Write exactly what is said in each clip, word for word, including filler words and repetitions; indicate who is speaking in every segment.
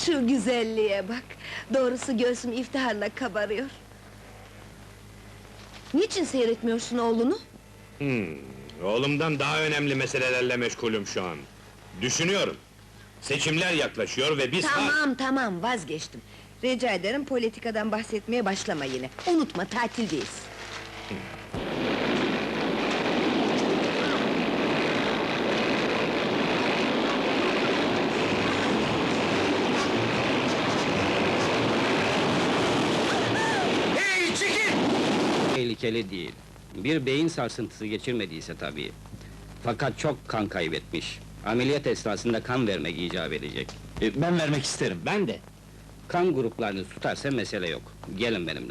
Speaker 1: Şu güzelliğe bak! Doğrusu göğsüm iftiharla kabarıyor. Niçin seyretmiyorsun oğlunu?
Speaker 2: Hmm, oğlumdan daha önemli meselelerle meşgulüm şu an. Düşünüyorum. Seçimler yaklaşıyor ve biz...
Speaker 1: Tamam tamam, vazgeçtim. Rica ederim, politikadan bahsetmeye başlama yine. Unutma, tatildeyiz.
Speaker 2: Hey, çekil!
Speaker 3: Tehlikeli değil. Bir beyin sarsıntısı geçirmediyse tabii. Fakat çok kan kaybetmiş. Ameliyat esnasında kan vermek icap edecek.
Speaker 4: E, ben vermek isterim.
Speaker 2: Ben de.
Speaker 3: Kan gruplarını tutarsa mesele yok. Gelin benimle.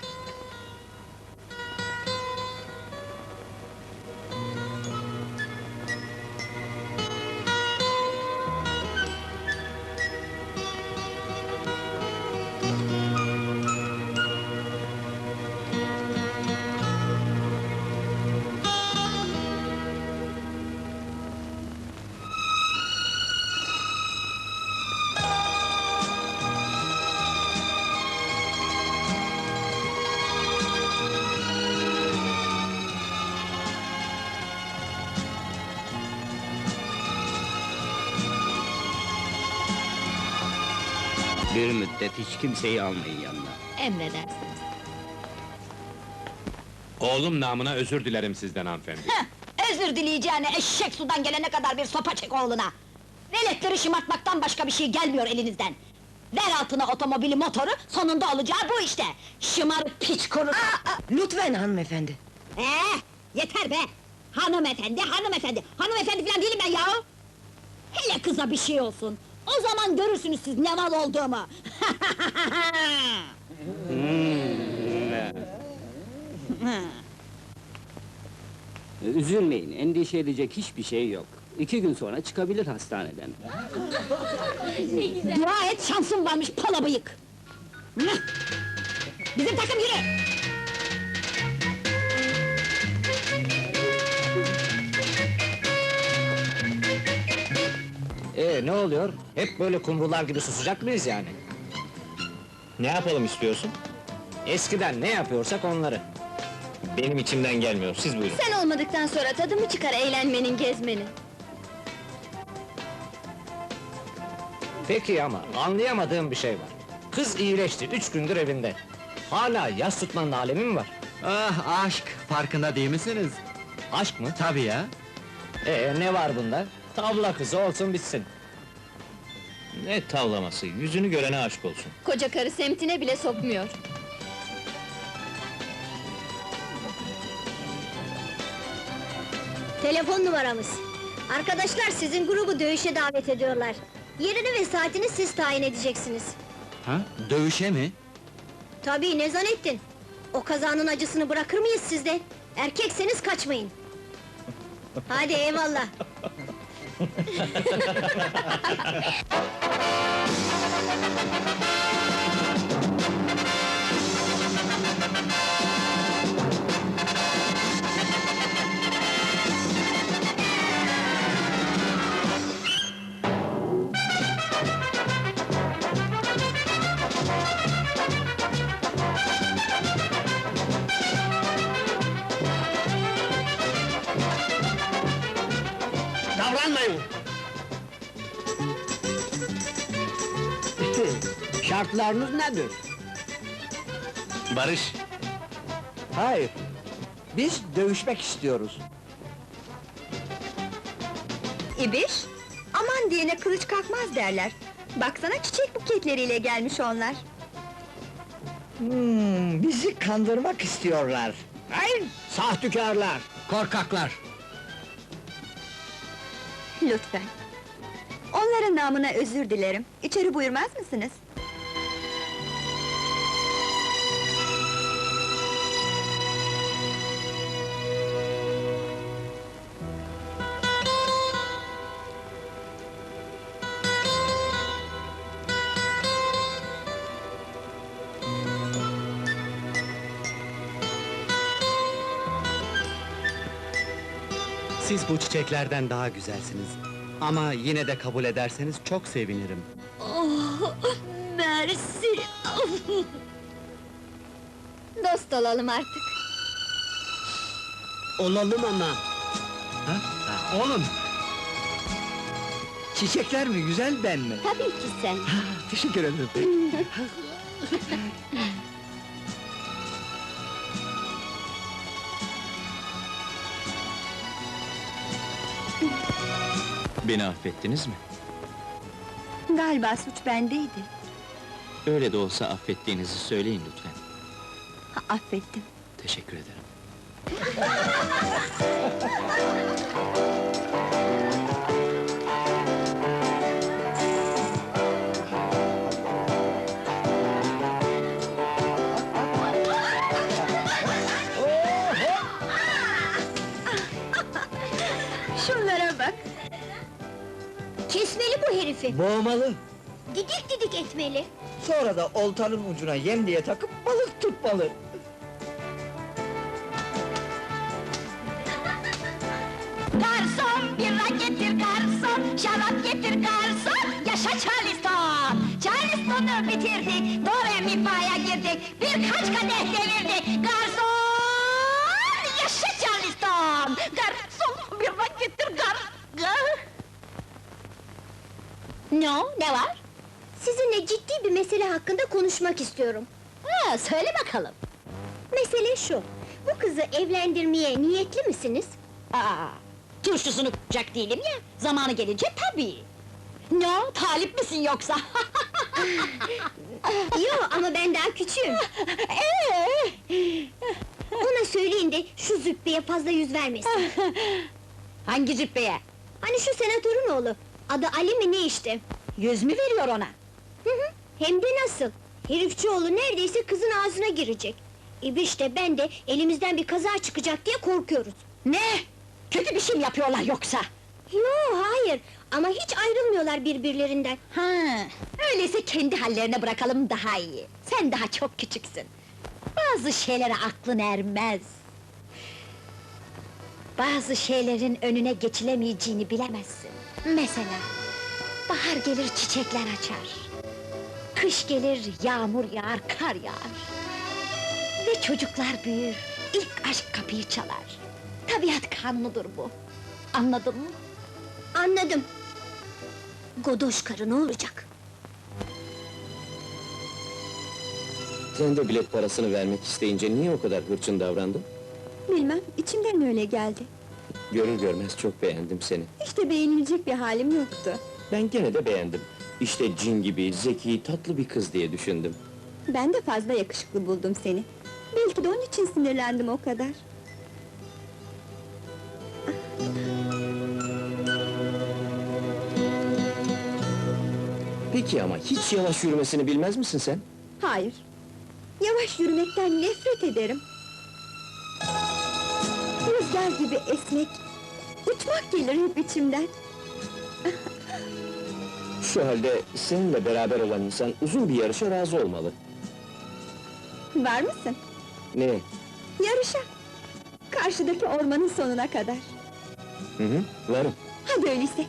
Speaker 3: Bir müddet hiç kimseyi almayın yanına.
Speaker 5: Emredersiniz.
Speaker 2: Oğlum namına özür dilerim sizden hanımefendi.
Speaker 5: Heh, özür dileyeceğine eşek sudan gelene kadar bir sopa çek oğluna! Veletleri şımartmaktan başka bir şey gelmiyor elinizden! Ver altına otomobili, motoru, sonunda olacağı bu işte! Şımarık piç kurusu!
Speaker 1: Lütfen hanımefendi!
Speaker 5: Ee, yeter be! Hanımefendi, hanımefendi! Hanımefendi falan değilim ben yahu! Hele kıza bir şey olsun! O zaman görürsünüz siz ne mal olduğumu!
Speaker 3: Üzülmeyin, endişe edecek hiçbir şey yok. İki gün sonra çıkabilir hastaneden.
Speaker 5: Dua et şansım varmış pala bıyık! Bizim takım yürü!
Speaker 4: Ee, ne oluyor? Hep böyle kumrular gibi susacak mıyız yani?
Speaker 2: Ne yapalım istiyorsun?
Speaker 4: Eskiden ne yapıyorsak onları.
Speaker 2: Benim içimden gelmiyor, siz buyurun.
Speaker 5: Sen olmadıktan sonra tadı mı çıkar eğlenmenin, gezmenin?
Speaker 4: Peki ama anlayamadığım bir şey var. Kız iyileşti, üç gündür evinde. Hala yas tutmanın alemi mi var?
Speaker 6: Ah aşk, farkında değil misiniz?
Speaker 4: Aşk mı?
Speaker 6: Tabii ya.
Speaker 4: Ee, ne var bunda? Tavla kızı olsun bitsin.
Speaker 2: Ne tavlaması, yüzünü görene aşk olsun.
Speaker 5: Koca karı semtine bile sokmuyor.
Speaker 7: Telefon numaramız. Arkadaşlar sizin grubu dövüşe davet ediyorlar. Yerini ve saatini siz tayin edeceksiniz.
Speaker 6: Ha? Dövüşe mi?
Speaker 7: Tabii, ne zannettin? O kazanın acısını bırakır mıyız sizde? Erkekseniz kaçmayın. Hadi eyvallah.
Speaker 4: Davranmayın! Şartlarınız nedir?
Speaker 2: Barış,
Speaker 4: Hayır. Biz dövüşmek istiyoruz.
Speaker 1: İbiş, aman diyene kılıç kalkmaz derler. Baksana çiçek buketleriyle gelmiş onlar.
Speaker 8: Hmm, bizi kandırmak istiyorlar.
Speaker 4: Hayır, sahtükarlar!
Speaker 6: Korkaklar!
Speaker 1: Lütfen. Onların namına özür dilerim. İçeri buyurmaz mısınız?
Speaker 6: Siz bu çiçeklerden daha güzelsiniz. Ama yine de kabul ederseniz çok sevinirim.
Speaker 5: Oh, Mersi!
Speaker 1: Dost olalım artık.
Speaker 8: Olalım ama.
Speaker 6: Ha? Ha, oğlum!
Speaker 8: Çiçekler mi, güzel ben mi?
Speaker 1: Tabii ki sen.
Speaker 6: Ha, teşekkür ederim.
Speaker 9: Beni affettiniz mi?
Speaker 1: Galiba suç bendeydi.
Speaker 9: Öyle de olsa affettiğinizi söyleyin lütfen.
Speaker 1: Ha, affettim.
Speaker 9: Teşekkür ederim.
Speaker 1: Şunlara bak.
Speaker 7: Kesmeli bu herifi.
Speaker 8: Boğmalı.
Speaker 7: Didik didik etmeli.
Speaker 8: Sonra da oltanın ucuna yem diye takıp balık tutmalı.
Speaker 5: Garson, bira getir garson, şarap getir garson, yaşa Charleston! Charleston'u bitirdik, do re mi fa'ya girdik, birkaç kadeh devirdik, garson! Yaşa Charleston! Garson, bira getir garson! Ne o, ne var?
Speaker 7: Sizinle ciddi bir mesele hakkında konuşmak istiyorum.
Speaker 5: Ha, söyle bakalım!
Speaker 7: Mesele şu. Bu kızı evlendirmeye niyetli misiniz?
Speaker 5: Aa, turşusunu k***cak değilim ya, zamanı gelince tabii! Ne o, talip misin yoksa?
Speaker 7: Yo ama ben daha küçüğüm.
Speaker 5: Ee?
Speaker 7: Ona söyleyin de şu züppeye fazla yüz vermesin.
Speaker 5: Hangi cübbeye?
Speaker 7: Hani şu senatörün oğlu. Adı Ali mi ne işte?
Speaker 5: Yüz mü veriyor ona?
Speaker 7: Hı hı, hem de nasıl? Herifçioğlu neredeyse kızın ağzına girecek. İbiş de ben de elimizden bir kaza çıkacak diye korkuyoruz.
Speaker 5: Ne? Kötü bir şey mi yapıyorlar yoksa?
Speaker 7: Yo hayır ama hiç ayrılmıyorlar birbirlerinden.
Speaker 5: Ha, öyleyse kendi hallerine bırakalım daha iyi. Sen daha çok küçüksün. Bazı şeylere aklın ermez. Bazı şeylerin önüne geçilemeyeceğini bilemezsin. Mesela, bahar gelir çiçekler açar. Kış gelir yağmur yağar, kar yağar. Ve çocuklar büyür, ilk aşk kapıyı çalar. Tabiat kanunudur bu. Anladın mı?
Speaker 7: Anladım. Godoş karı ne olacak?
Speaker 9: Sen de bilet parasını vermek isteyince niye o kadar hırçın davrandın?
Speaker 1: Bilmem, içimden öyle geldi.
Speaker 9: Görür görmez çok beğendim seni.
Speaker 1: İşte beğenilecek bir halim yoktu.
Speaker 9: Ben gene de beğendim. İşte cin gibi, zeki, tatlı bir kız diye düşündüm.
Speaker 1: Ben de fazla yakışıklı buldum seni. Belki de onun için sinirlendim o kadar.
Speaker 9: Peki ama hiç yavaş yürümesini bilmez misin sen?
Speaker 1: Hayır. Yavaş yürümekten nefret ederim. Rüzgar gibi esmek, uçmak gelir hep içimden.
Speaker 9: Şu halde seninle beraber olan insan uzun bir yarışa razı olmalı.
Speaker 1: Var mısın?
Speaker 9: Ne?
Speaker 1: Yarışa! Karşıdaki ormanın sonuna kadar.
Speaker 9: Hı hı, varım.
Speaker 1: Hadi öyleyse.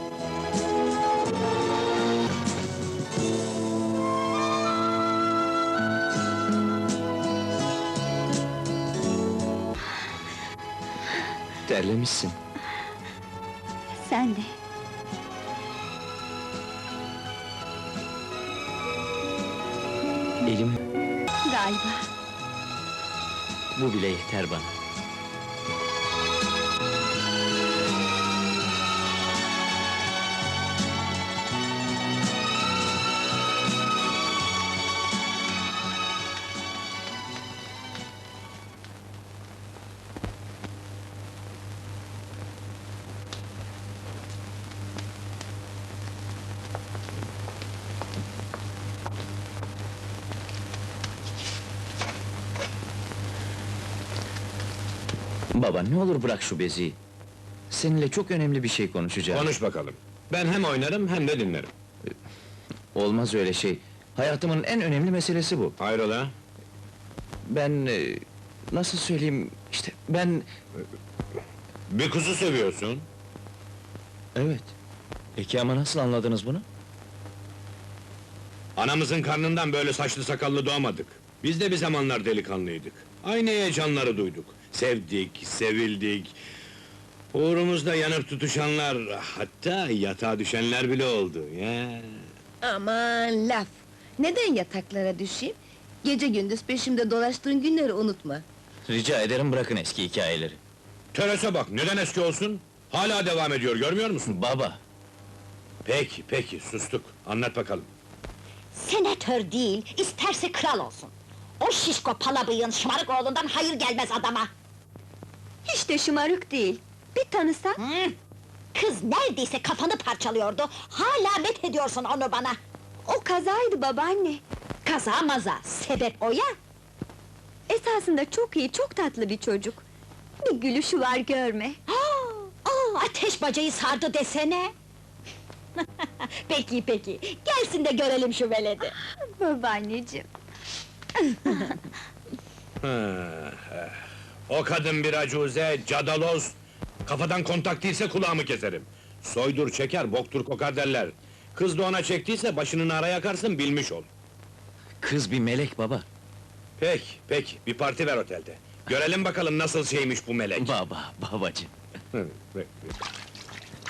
Speaker 9: Terlemişsin.
Speaker 1: Sen de.
Speaker 9: Elim,
Speaker 1: Galiba.
Speaker 9: bu bile yeter bana. Baba, ne olur bırak şu beziyi. Seninle çok önemli bir şey konuşacağım.
Speaker 2: Konuş bakalım. Ben hem oynarım hem de dinlerim.
Speaker 9: Olmaz öyle şey. Hayatımın en önemli meselesi bu.
Speaker 2: Hayrola?
Speaker 9: Ben... e, nasıl söyleyeyim... işte ben...
Speaker 2: Bir kızı seviyorsun.
Speaker 9: Evet. Peki ama nasıl anladınız bunu?
Speaker 2: Anamızın karnından böyle saçlı sakallı doğmadık. Biz de bir zamanlar delikanlıydık. Aynı heyecanları duyduk. Sevdik, sevildik. Uğrumuzda yanıp tutuşanlar, hatta yatağa düşenler bile oldu. Ya.
Speaker 10: Aman laf! Neden yataklara düşeyim? Gece gündüz peşimde dolaştığın günleri unutma.
Speaker 9: Rica ederim bırakın eski hikayeleri.
Speaker 2: Terese bak, neden eski olsun? Hala devam ediyor, görmüyor musun?
Speaker 9: Baba,
Speaker 2: Peki, peki, sustuk. Anlat bakalım.
Speaker 5: Senatör değil, isterse kral olsun. O şişko palabıyığın şımarık oğlundan hayır gelmez adama.
Speaker 1: Hiç de şımarık değil. Bir tanısan.
Speaker 5: Hı? Kız neredeyse kafanı parçalıyordu, hala met ediyorsun onu bana.
Speaker 1: O kazaydı babaanne.
Speaker 5: Kaza maza, sebep o ya!
Speaker 1: Esasında çok iyi, çok tatlı bir çocuk. Bir gülüşü var görme.
Speaker 5: Aa, aa, ateş bacayı sardı desene! Peki peki, gelsin de görelim şu veledi.
Speaker 1: Babaanneciğim.
Speaker 2: O kadın bir acuze, cadaloz. Kafadan kontak değilse kulağımı keserim. Soydur çeker, boktur kokar derler. Kız da ona çektiyse başını nara yakarsın, bilmiş ol.
Speaker 9: kız bir melek baba.
Speaker 2: Peki, peki, bir parti ver otelde. Görelim bakalım nasıl şeymiş bu melek.
Speaker 9: Baba, babacığım.
Speaker 2: Hı, peki.